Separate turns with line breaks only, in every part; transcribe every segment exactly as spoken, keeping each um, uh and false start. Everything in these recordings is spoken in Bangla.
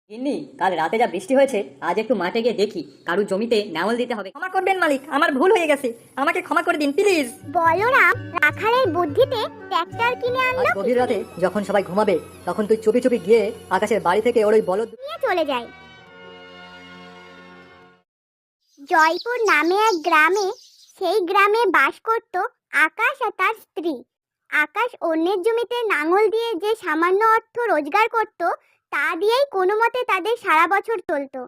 গিন্নি, কাল রাতে যা বৃষ্টি হয়েছে, আজ একটু মাঠে গিয়ে দেখি কারুর জমিতে নাঙল দিতে হবে।
ক্ষমা করবেন মালিক, আমার ভুল হয়ে গেছে, আমাকে ক্ষমা করে দিন প্লিজ।
বলরাম রাখালের বুদ্ধিতে ট্র্যাক্টর কিনে
আজ
আনলো,
গভীর রাতে যখন সবাই ঘুমাবে তখন তুই চুপি চুপি গিয়ে আকাশের বাড়ি থেকে ওর ওই বলদ
নিয়ে চলে যায়। জয়পুর নামে এক গ্রামে, সেই গ্রামে বাস করত আকাশ আর তার স্ত্রী। আকাশ অন্যের জমিতে নাঙল দিয়ে যে সামান্য অর্থ রোজগার করত, তা দিয়েই কোনো মতে তাদের সারা বছর চলতো।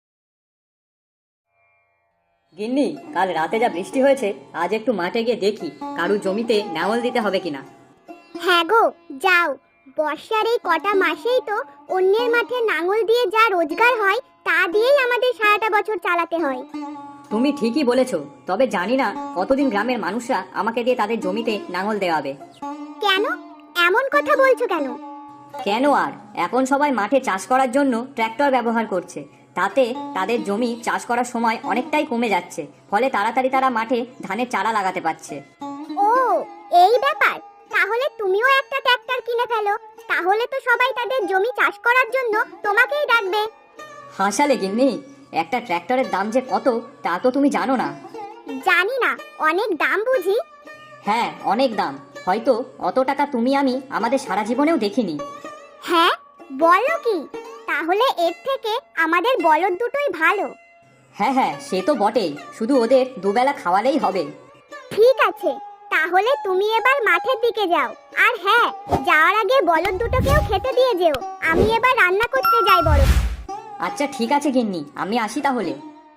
গিন্নি, কাল রাতে যা বৃষ্টি হয়েছে, আজ একটু মাঠে গিয়ে দেখি কারুর জমিতে নাঙল দিতে হবে কিনা।
হ্যাঁ গো, যাও। বর্ষার এই কটা মাসেই তো অন্যের মাঠে নাঙল দিয়ে যা রোজগার হয়, তা দিয়েই আমাদের সারাটা বছর চালাতে হয়।
তুমি ঠিকই বলেছো, তবে জানি না কতদিন গ্রামের মানুষরা আমাকে দিয়ে তাদের জমিতে নাঙল দেওয়াবে।
কেন এমন কথা বলছো কেন?
কেন আর, এখন সবাই মাঠে চাষ করার জন্য ট্র্যাক্টর ব্যবহার করছে, তাতে তাদের জমি চাষ করার সময় অনেকটাই কমে যাচ্ছে, ফলে তাড়াতাড়ি তারা মাঠে ধানের চারা লাগাতে পারছে।
ও, এই ব্যাপার। তাহলে তুমিও একটা ট্র্যাক্টর কিনে ফেলো, তাহলে তো সবাই তাদের জমি চাষ করার জন্য তোমাকেই ডাকবে।
হাসালে গিন্নি, একটা ট্র্যাক্টরের দাম যে কত তা তো তুমি জানো না।
জানি না, অনেক দাম বুঝি।
হ্যাঁ, অনেক দাম, হয়তো অত টাকা তুমি আমি আমাদের সারা জীবনেও দেখিনি।
হ্যাঁ, বলো কি? তাহলে এর থেকে আমাদের বলদ দুটোই ভালো।
হ্যাঁ হ্যাঁ, সে তো বটেই, শুধু ওদের দুবেলা খাওয়ালেই হবে।
ঠিক আছে, তাহলে তুমি এবার মাঠের দিকে যাও। আর হ্যাঁ, যাওয়ার আগে বলদ দুটোকেও খেতে দিয়ে যেও। আমি এবার রান্না করতে যাই বড়।
আচ্ছা ঠিক আছে গিন্নি, আমি আসি তাহলে।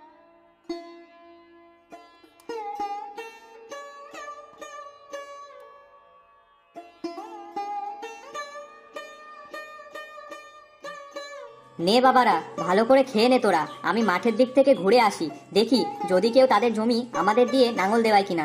নে বাবারা, ভালো করে খেয়ে নে তোরা, আমি মাঠের দিক থেকে ঘুরে আসি, দেখি যদি কেউ তাদের জমি আমাদের দিয়ে নাঙল দেওয়ায় কিনা।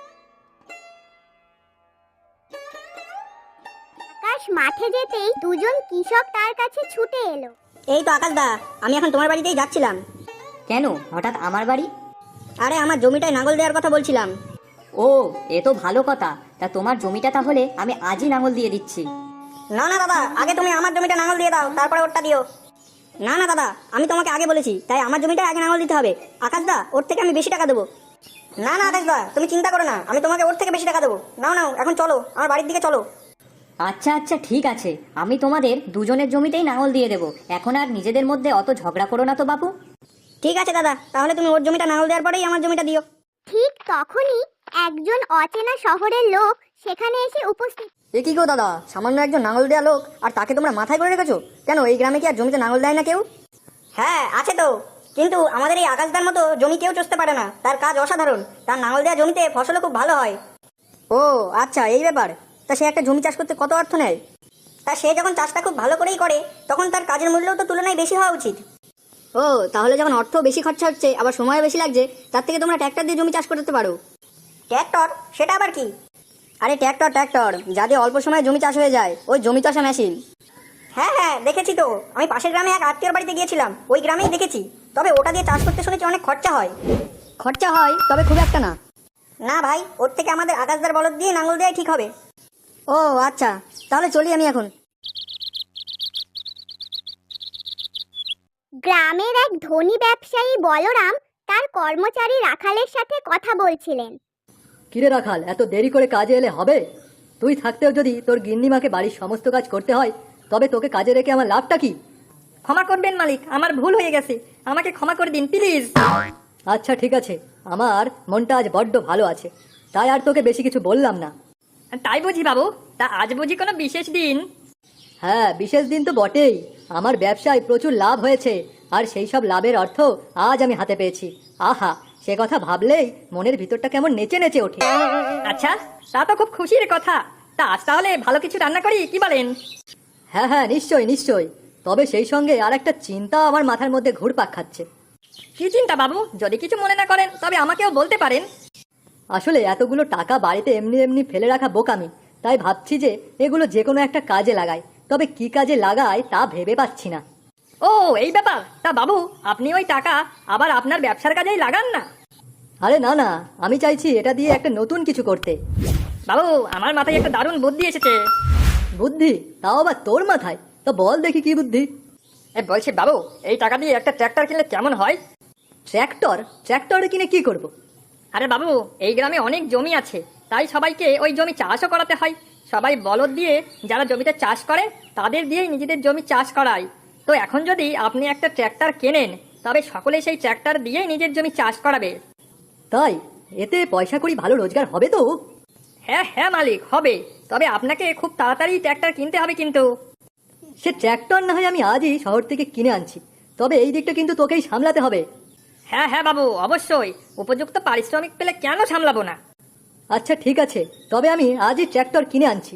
আকাশ মাঠে যেতেই দুজন কৃষক তার কাছে ছুটে এলো।
এই তো আকাশ দা, আমি এখন তোমার বাড়িতেই যাচ্ছিলাম।
কেন হঠাৎ আমার বাড়ি?
আরে আমার জমিটায় নাঙল দেওয়ার কথা বলছিলাম।
ও, এ তো ভালো কথা, তা তোমার জমিটা তাহলে আমি আজই নাঙল দিয়ে দিচ্ছি।
না না দাদা, আগে তুমি আমার জমিটা নাঙল দিয়ে দাও, তারপরে ওরটা দিও। না না দাদা, আমি তোমাকে আগে বলেছি, তাই আমার জমিটা আগে নাঙল দিতে হবে। আকাশ দা, ওর থেকে আমি বেশি টাকা দেবো। না না আকাশ দা, তুমি চিন্তা করো না, আমি তোমাকে ওর থেকে বেশি টাকা দেবো। নাও নাও, এখন চলো, আমার বাড়ির দিকে চলো।
আচ্ছা আচ্ছা ঠিক আছে, আমি তোমাদের দুজনের জমিতেই নাঙল দিয়ে দেবো, এখন আর নিজেদের মধ্যে অত ঝগড়া করো না তো বাপু।
ঠিক আছে দাদা, তাহলে তুমি ওর জমিটা নাঙল দেওয়ার পরেই আমার জমিটা দিও।
ঠিক তখনই একজন অচেনা শহরের লোক সেখানে এসে উপস্থিত।
এ কি গো দাদা, সামান্য একজন নাঙল দেওয়া লোক, আর তাকে তোমরা মাথায় করে রেখেছো কেন? এই গ্রামে কি আর জমিতে নাঙল দেয় না কেউ? হ্যাঁ আছে তো, কিন্তু আমাদের এই আকাশদার মতো জমি কেউ চষতে পারে না, তার কাজ অসাধারণ, তার নাঙল দেওয়া জমিতে ফসলও খুব ভালো হয়। ও আচ্ছা, এই ব্যাপার। তা সে একটা জমি চাষ করতে কত অর্থ নেয়? তা সে যখন চাষটা খুব ভালো করেই করে, তখন তার কাজের মূল্যও তো তুলনায় বেশি হওয়া উচিত। ও, তাহলে যখন অর্থ বেশি খরচা হচ্ছে, আবার সময় বেশি লাগছে, তার থেকে তোমরা ট্র্যাক্টর দিয়ে জমি চাষ করতে পারো। ট্র্যাক্টর? সেটা আবার কি? আরে ট্র্যাক্টর ট্র্যাক্টর যা দিয়ে অল্প সময়ে জমি চাষ হয়ে যায়, ওই জমি চাষা মেশিন। হ্যাঁ হ্যাঁ দেখেছি তো, আমি পাশের গ্রামে এক আত্মীয়র বাড়িতে গিয়েছিলাম, ওই গ্রামেই দেখেছি। তবে ওটা দিয়ে চাষ করতে শুনেছি অনেক খরচা হয়। খরচা হয়, তবে খুব একটা না। না ভাই, ওর থেকে আমাদের আকাশদার বলদ দিয়ে নাঙল দেওয়াই ঠিক হবে। ও আচ্ছা, তাহলে চলি আমি এখন।
গ্রামের এক ধনী ব্যবসায়ী বলরাম তার কর্মচারী রাখালের সাথে কথা বলছিলেন।
কিরে রাখাল, এত দেরি করে কাজে এলে হবে? তুই থাকতেও যদি তোর গিন্নিমাকে বাড়ির সমস্ত কাজ করতে হয়, তবে তোকে কাজে রেখে আমার লাভটা কি?
ক্ষমা করবেন মালিক, আমার ভুল হয়ে গেছে, আমাকে ক্ষমা করে দিন প্লিজ।
আচ্ছা ঠিক আছে, আমার মনটা আজ বড্ড ভালো আছে, তাই আর তোকে বেশি কিছু বললাম না।
তাই বুঝি বাবু, তা আজ বুঝি কোনো বিশেষ দিন?
হ্যাঁ, বিশেষ দিন তো বটেই, আমার ব্যবসায় প্রচুর লাভ হয়েছে, আর সেই সব লাভের অর্থ আজ আমি হাতে পেয়েছি। আহা, সে কথা ভাবলেই মনের ভিতরটা কেমন নেচে নেচে ওঠে।
আচ্ছা, তা তো খুব খুশির কথা। তা আজ তাহলে ভালো কিছু রান্না করি, কি বলেন?
হ্যাঁ হ্যাঁ, নিশ্চয়ই নিশ্চয়ই, তবে সেই সঙ্গে আর একটা চিন্তা আমার মাথার মধ্যে ঘুরপাক খাচ্ছে।
কি চিন্তা বাবু? যদি কিছু মনে না করেন তবে আমাকেও বলতে পারেন।
আসলে এতগুলো টাকা বাড়িতে এমনি এমনি ফেলে রাখা বোকামি, তাই ভাবছি যে এগুলো যে কোনো একটা কাজে লাগাই, তবে কি কাজে লাগাই তা ভেবে পাচ্ছি না।
ও এই ব্যাপার, তা বাবু আপনি ওই টাকা আবার আপনার ব্যবসার কাজেই লাগান না।
আরে না না, আমি চাইছি এটা দিয়ে একটা নতুন কিছু করতে।
বাবু, আমার মাথায় একটা দারুণ বুদ্ধি এসেছে।
বুদ্ধি? তাও আবার তোর মাথায়? তা বল দেখি কি বুদ্ধি। এ বলছি বাবু, এই টাকা দিয়ে একটা ট্র্যাক্টর কিনলে কেমন হয়? ট্র্যাক্টর? ট্র্যাক্টর কিনে কি করব? আরে বাবু, এই গ্রামে অনেক জমি আছে, তাই সবাইকে ওই জমি চাষও করাতে হয়। সবাই বলদ দিয়ে যারা জমিতে চাষ করে তাদের দিয়েই নিজেদের জমি চাষ করায়। তো এখন যদি আপনি একটা ট্র্যাক্টর কেনেন, তবে সকলে সেই ট্র্যাক্টর দিয়েই নিজের জমি চাষ করাবে। তাই? এতে পয়সা করি ভালো রোজগার হবে তো? হ্যাঁ হ্যাঁ মালিক, হবে। তবে আপনাকে খুব তাড়াতাড়ি ট্র্যাক্টর কিনতে হবে কিন্তু। সে ট্র্যাক্টর না হয় আমি আজই শহর থেকে কিনে আনছি, তবে এই দিকটা কিন্তু তোকেই সামলাতে হবে। হ্যাঁ হ্যাঁ বাবু, অবশ্যই। উপযুক্ত পারিশ্রমিক পেলে কেন সামলাবো না? আচ্ছা ঠিক আছে, তবে আমি আজই ট্র্যাক্টর কিনে আনছি।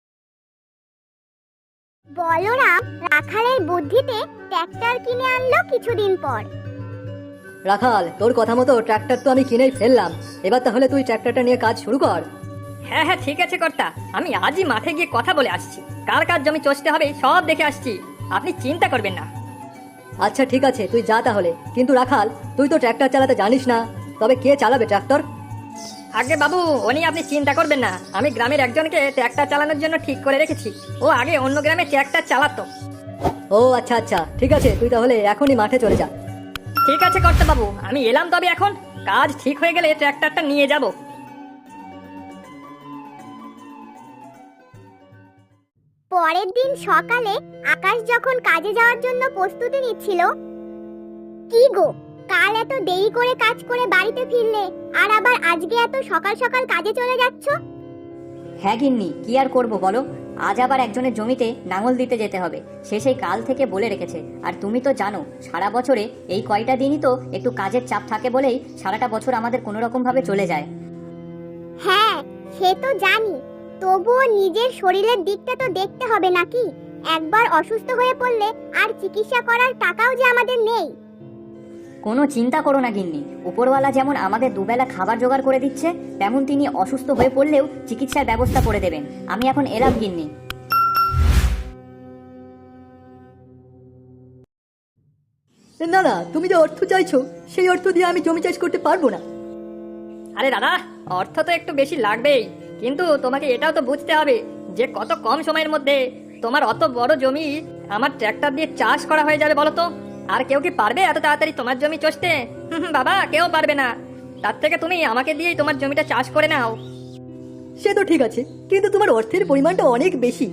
বলরাম রাখালের বুদ্ধিতে ট্র্যাক্টর কিনে আনলো কিছুদিন পর।
রাখাল, তোর কথা মতো ট্র্যাক্টর তো আমি কিনেই ফেললাম, এবার তাহলে তুই ট্র্যাক্টরটা নিয়ে কাজ শুরু কর। হ্যাঁ হ্যাঁ ঠিক আছে কর্তা, আমি আজই মাঠে গিয়ে কথা বলে আসছি। কার কার জমি চষতে হবে সব দেখে আসছি, আপনি চিন্তা করবেন না। আচ্ছা ঠিক আছে, তুই যা তাহলে। কিন্তু রাখাল, তুই তো ট্র্যাক্টর চালাতে জানিস না, তবে কে চালাবে ট্র্যাক্টর? আগে বাবু, ও নিয়ে আপনি চিন্তা করবেন না। আমি গ্রামের একজনকে ট্র্যাক্টর চালানোর জন্য ঠিক করে রেখেছি। ও আগে অন্য গ্রামে ট্র্যাক্টর চালাতো। ও আচ্ছা আচ্ছা, ঠিক আছে, তুই তাহলে এখনই মাঠে চলে যা। ঠিক আছে কর্তা বাবু, আমি এলাম তবে এখন। কাজ ঠিক হয়ে গেলে ট্র্যাক্টরটা নিয়ে যাব।
পরের দিন সকালে আকাশ যখন কাজে যাওয়ার জন্য প্রস্তুতি নিচ্ছিল, কি গো, কাল এত দেরি করে কাজ করে বাড়িতে ফিরলে, আর আবার আজকে এত সকাল সকাল কাজে চলে যাচ্ছ?
হ্যাঁ গিন্নি, কি আর করব বলো, আজ আবার একজনের জমিতে নাঙল দিতে যেতে হবে। সে সেই কাল থেকে বলে রেখেছে। আর তুমি তো জানো, সারা বছরে এই কয়টা দিনই তো একটু কাজের চাপ থাকে বলেই সারাটা বছর আমাদের কোনো রকম ভাবে চলে যায়।
হ্যাঁ, সে তো জানি, তবুও নিজের শরীরের দিকটা তো দেখতে হবে নাকি? একবার অসুস্থ হয়ে পড়লে আর চিকিৎসা করার টাকাও যে আমাদের নেই।
কোনো চিন্তা করো না গিন্নি, উপরওয়ালা যেমন আমাদের দুবেলা খাবার জোগাড় করে দিচ্ছে, তেমন তিনি অসুস্থ হয়ে পড়লেও চিকিৎসার ব্যবস্থা করে দেবেন। আমি এখন এলাম গিন্নি।
না না, তুমি যে অর্থ চাইছো, সেই অর্থ দিয়ে আমি জমি চাষ করতে পারবো না। আরে দাদা, অর্থ তো একটু বেশি লাগবেই, কিন্তু তোমাকে এটাও তো বুঝতে হবে যে কত কম সময়ের মধ্যে তোমার অত বড় জমি আমার ট্র্যাক্টর দিয়ে চাষ করা হয়ে যাবে। বলো তো, আর কেউ কি পারবে এত তাড়াতাড়ি তোমার জমি চষতে? বাবা, কেউ পারবে না। তার থেকে তুমি আমাকে দিয়েই তোমার জমিটা চাষ করে নাও। সে তো ঠিক আছে, কিন্তু তোমার অর্থের পরিমাণটা অনেক বেশি।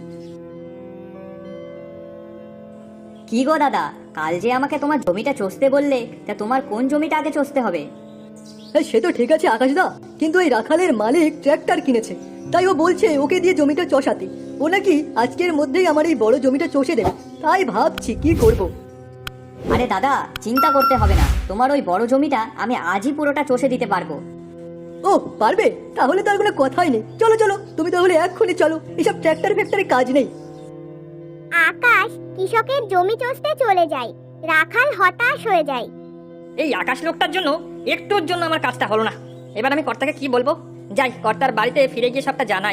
কি গো দাদা, কাল যে আমাকে তোমার জমিটা চষতে বললে, তা তোমার কোন জমিটা আগে চষতে হবে?
হ্যাঁ সে তো ঠিক আছে আকাশদা, কিন্তু এই রাখালের মালিক ট্র্যাক্টর কিনেছে, তাই ও বলছে ওকে দিয়ে জমিটা চষাতে। ও নাকি আজকের মধ্যেই আমার এই বড় জমিটা চষে দেবে, তাই ভাবছি কি করব।
আরে দাদা, চিন্তা করতে হবে না, তোমার ওই বড় জমিটা আমি আজই পুরোটা চষে দিতে পারবো।
ও পারবে? তাহলে তার কোনো কথাই নেই। চলো চলো, তুমি তাহলে এক্ষুনি চলো, এসব ট্র্যাক্টর ফ্যাক্টরে কাজ নেই।
আকাশ কৃষকের জমি চষতে চলে যায়। রাখাল হতাশ হয়ে যায়।
এই আকাশ লোকটার জন্য একটুর জন্য আমার কাজটা হলো না। এবার আমি কর্তাকে কি বলবো? যাই, কর্তার বাড়িতে ফিরে গিয়ে সবটা জানাই।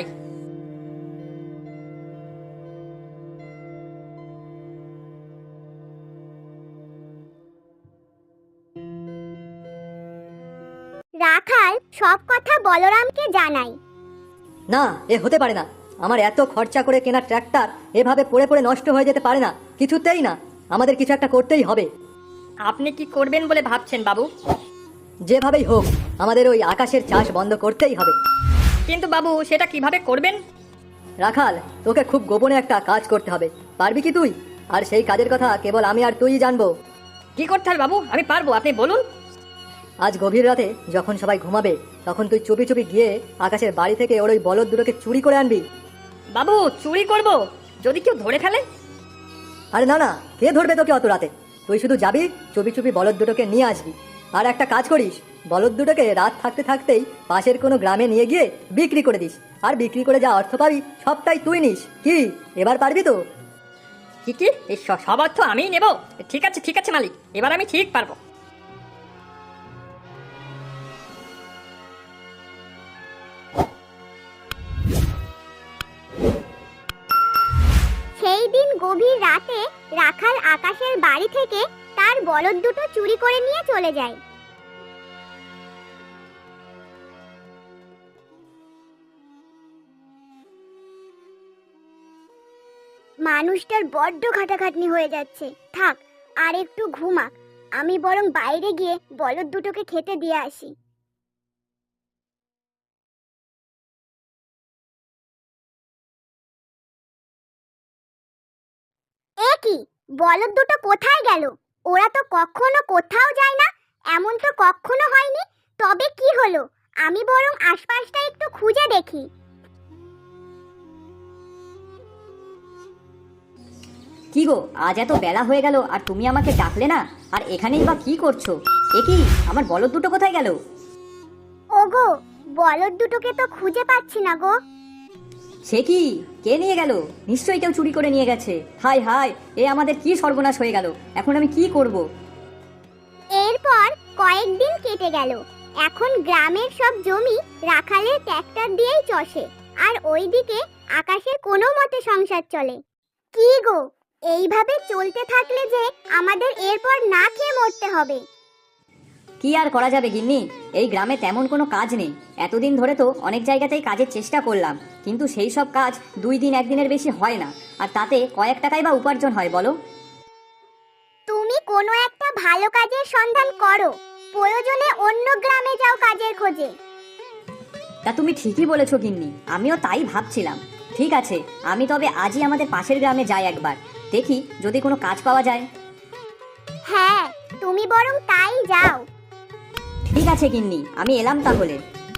রাখাল সব কথা বলরামকে জানায়।
না, এ হতে পারে না। আমার এত খরচা করে কেনা ট্র্যাক্টর এভাবে পড়ে পড়ে নষ্ট হয়ে যেতে পারে না, কিছুতেই না। আমাদের কিছু একটা করতেই হবে। আপনি কি করবেন বলে ভাবছেন বাবু? যেভাবেই হোক আমাদের ওই আকাশের চাষ বন্ধ করতেই হবে। কিন্তু বাবু, সেটা কিভাবে করবেন? রাখাল, তোকে খুব গোপনে একটা কাজ করতে হবে। পারবি কি তুই? আর সেই কাজের কথা কেবল আমি আর তুই জানবো। কি করতে হবে বাবু? আমি পারবো, আপনি বলুন। আজ গভীর রাতে যখন সবাই ঘুমাবে, তখন তুই চুপি চুপি গিয়ে আকাশের বাড়ি থেকে ওর ওই বলদ দুটোকে চুরি করে আনবি। বাবু, চুরি করব? যদি কেউ ধরে ফেলে? আরে না না, কে ধরবে তোকে অত রাতে? তুই শুধু যাবি, চুপি চুপি বলদ দুটোকে নিয়ে আসবি। আর একটা কাজ করিস, বলদ দুটোকে রাত থাকতে থাকতেই পাশের কোনো গ্রামে নিয়ে গিয়ে বিক্রি করে দিস। আর বিক্রি করে যা অর্থ পাবি সবটাই তুই নিস। কি এবার পারবি তো? কি কি এই সব অর্থ আমিই নেব? ঠিক আছে ঠিক আছে মালিক, এবার আমি ঠিক পারবো।
সেই দিন গভীর রাতে রাখাল আকাশের বাড়ি থেকে তার বলদ দুটো চুরি করে নিয়ে চলে যায়। মানুষটার বড্ড খাটাখাটনি হয়ে যাচ্ছে, থাক আর একটু ঘুমাক। আমি বরং বাইরে গিয়ে বলদ দুটোকে খেতে দিয়ে আসি। এ কি, বলদ দুটো কোথায় গেল? ওরা তো কখনো কোথাও যায় না, এমন তো কখনো হয়নি। তবে কি হলো, আমি বরং আশপাশটা একটু খুঁজে দেখি।
কি গো, আজ এত বেলা হয়ে গেল আর তুমি আমাকে ডাকলে না? আর এখানেই বা কি করছো? এ কি, আমার বলদ দুটো কোথায় গেল?
ওগো, বলদ দুটোকে তো খুঁজে পাচ্ছি না গো।
সে কি, কে নিয়ে গেল? নিশ্চয়ই কেউ চুরি করে নিয়ে গেছে। হায় হায়, এ আমাদের কি সর্বনাশ হয়ে গেল! এখন আমি কি করব?
এরপর কয়েকদিন কেটে গেল। এখন গ্রামের সব জমি রাখালের ট্র্যাক্টর দিয়েই চষে, আর ওইদিকে আকাশের কোনো মতে সংসার চলে। কি গো, এইভাবে চলতে থাকলে যে আমাদের এরপর না খেয়ে মরতে হবে।
কি আর করা যাবে গিন্নি, এই গ্রামে তেমন কোনো কাজ নেই। এতদিন ধরে তো অনেক জায়গাতেই কাজের চেষ্টা করলাম, কিন্তু সেই সব কাজ দুই দিন একদিনের বেশি হয় না, আর তাতে কয়েক টাকাই বা উপার্জন হয় বলো?
তুমি কোনো একটা ভালো কাজের সন্ধান করো, প্রয়োজনে অন্য গ্রামে যাও কাজের খোঁজে।
তা তুমি ঠিকই বলেছো গিন্নি, আমিও তাই ভাবছিলাম। ঠিক আছে, আমি তবে আজই আমাদের পাশের গ্রামে যাই একবার, দেখি যদি কোনো কাজ পাওয়া যায়।
হ্যাঁ, তুমি বরং তাই যাও।
ঠিক আছে গিন্নি, আমি এলাম তাহলে।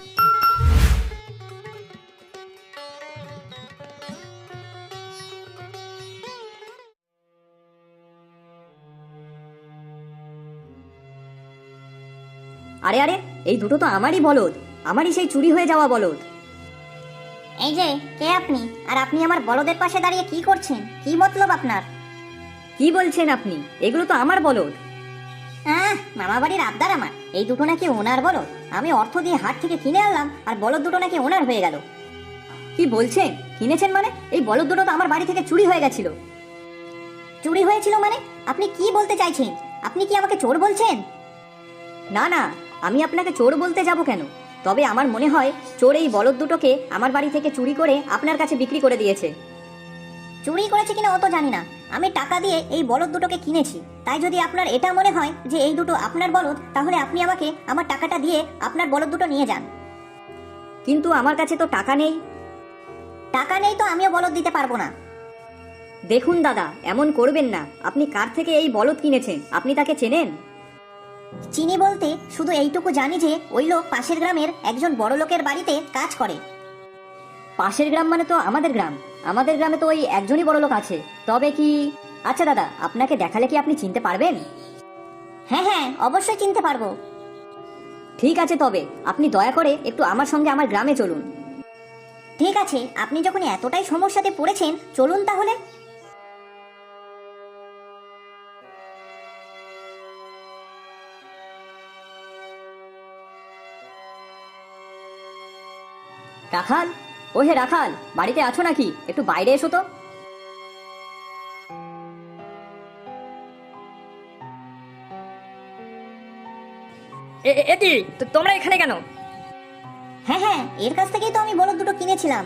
আরে আরে, এই দুটো তো আমারই বলদ, আমারই সেই চুরি হয়ে যাওয়া বলদ।
এই যে, কে আপনি? আর আপনি আমার বলদের পাশে দাঁড়িয়ে কি করছেন? কি মতলব আপনার?
কি বলছেন আপনি? এগুলো তো আমার বলদ।
আহ, মামা বাড়ির আবদার আমার। এই দুটো নাকি ওনার বলদ। আমি অর্থ দিয়ে হাট থেকে কিনে আনলাম, আর বলদ দুটো নাকি ওনার হয়ে গেল।
কি বলছেন? কিনেছেন মানে? এই বলদ দুটো তো আমার বাড়ি থেকে চুরি হয়ে গেছিল।
চুরি হয়েছিল মানে? আপনি কি বলতে চাইছেন? আপনি কি আমাকে চোর বলছেন?
না না, আমি আপনাকে চোর বলতে যাব কেন? তবে আমার মনে হয় চোর এই বলদ দুটোকে আমার বাড়ি থেকে চুরি করে আপনার কাছে বিক্রি করে দিয়েছে।
চুরি করেছে কিনা অত জানি না, আমি টাকা দিয়ে এই বলদ দুটোকে কিনেছি। তাই যদি আপনার এটা মনে হয় যে এই দুটো আপনার বলদ, তাহলে আপনি আমাকে আমার টাকাটা দিয়ে আপনার বলদ দুটো নিয়ে যান।
কিন্তু আমার কাছে তো টাকা নেই।
টাকা নেই তো আমিও বলদ দিতে পারবো না।
দেখুন দাদা, এমন করবেন না। আপনি কার থেকে এই বলদ কিনেছেন? আপনি তাকে চেনেন?
চিনি বলতে শুধু এইটুকু জানি যে ওই লোক পাশের গ্রামের একজন বড় লোকের বাড়িতে কাজ করে।
পাশের গ্রাম মানে তো আমাদের গ্রাম। আমাদের গ্রামে তো ওই একজনই বড় লোক আছে। তবে কি, আচ্ছা দাদা, আপনাকে দেখালে কি আপনি চিনতে পারবেন?
হ্যাঁ হ্যাঁ, অবশ্যই চিনতে পারবো।
ঠিক আছে, তবে আপনি দয়া করে একটু আমার সঙ্গে আমার গ্রামে চলুন।
ঠিক আছে, আপনি যখন এতটাই সমস্যাতে পড়েছেন, চলুন তাহলে।
রাখাল, ও হে রাখাল, বাড়িতে আছো নাকি? একটু বাইরে এসো তো।
এটি তোমরা এখানে কেন?
হ্যাঁ হ্যাঁ, এর কাছ থেকেই তো আমি বলদ দুটো কিনেছিলাম।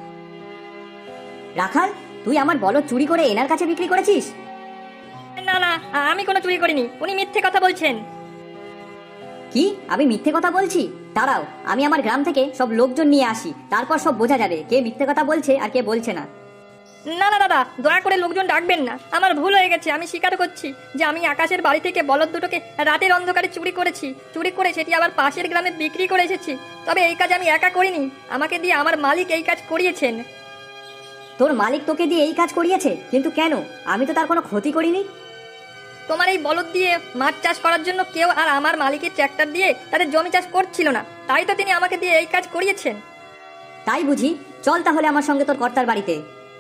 রাখাল, তুই আমার বলদ চুরি করে এনার কাছে বিক্রি করেছিস?
না না, আমি কোনো চুরি করিনি, উনি মিথ্যে কথা বলছেন।
কি, আমি মিথ্যে কথা বলছি? দাঁড়াও, আমি আমার গ্রাম থেকে সব লোকজন নিয়ে আসি, তারপর সব বোঝা যাবে কে মিথ্যে কথা বলছে আর কে বলছে না।
না না দাদা, দয়া করে লোকজন ডাকবেন না। আমার ভুল হয়ে গেছে, আমি স্বীকার করছি যে আমি আকাশের বাড়ি থেকে বলদ দুটোকে রাতের অন্ধকারে চুরি করেছি। চুরি করে সেটি আবার পাশের গ্রামে বিক্রি করে এসেছি। তবে এই কাজ আমি একা করিনি, আমাকে দিয়ে আমার মালিক এই কাজ করিয়েছেন।
তোর মালিক তোকে দিয়ে এই কাজ করিয়েছে? কিন্তু কেন? আমি তো তার কোনো ক্ষতি করিনি।
তোমার এই বলদ দিয়ে মাছ চাষ করার জন্য কেউ আর আমার মালিকের ট্র্যাক্টর দিয়ে তাদের জমি চাষ করছিল না, তাই তো তিনি আমাকে দিয়ে এই কাজ করিয়েছেন।
তাই বুঝি? চল তাহলে আমার সঙ্গে তোর কর্তার বাড়িতে।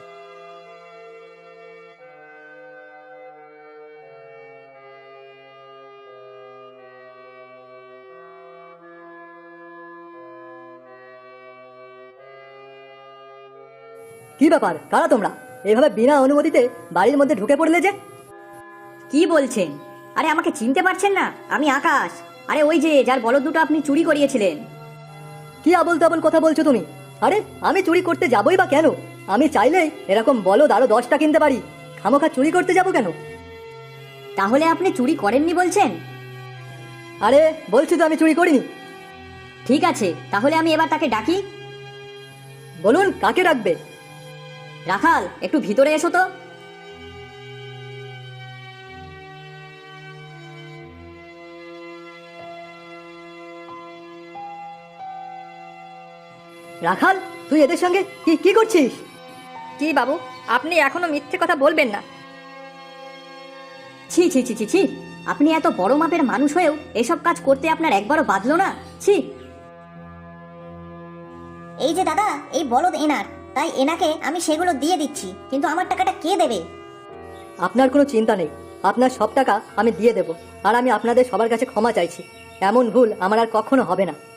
কি ব্যাপার, কারা তোমরা? এভাবে বিনা অনুমতিতে বাড়ির মধ্যে ঢুকে পড়লে যে?
কি বলছেন? আরে আমাকে চিনতে পারছেন না? আমি আকাশ। আরে ওই যে যার বলদ দুটো আপনি চুরি করিয়েছিলেন।
কি আবল তাবল কথা বলছো তুমি? আরে আমি চুরি করতে যাবই বা কেন? আমি চাইলেই এরকম বলদ আরো দশটা কিনতে পারি। খামোখা চুরি করতে যাব কেন?
তাহলে আপনি চুরি করেননি বলছেন?
আরে বলছি তো আমি চুরি করিনি।
ঠিক আছে, তাহলে আমি এবার তাকে ডাকি।
বলুন কাকে রাখবে?
রাখাল, একটু ভিতরে এসো তো।
রাখাল, তুই এদের সঙ্গে কি কি করছিস?
কি বাবু, আপনি এখনো মিথ্যে কথা বলবেন না।
ছি ছি ছি ছি ছি, আপনি এত বড় মাপের মানুষ হয়েও এসব কাজ করতে আপনার একবারও বাধলো না? ছি। এই যে দাদা, এই বলদ এনার, তাই এনাকে আমি সেগুলো দিয়ে দিচ্ছি, কিন্তু আমার টাকাটা কে দেবে?
আপনার কোনো চিন্তা নেই, আপনার সব টাকা আমি দিয়ে দেব। আর আমি আপনাদের সবার কাছে ক্ষমা চাইছি। এমন ভুল আমার আর কখনো হবে না।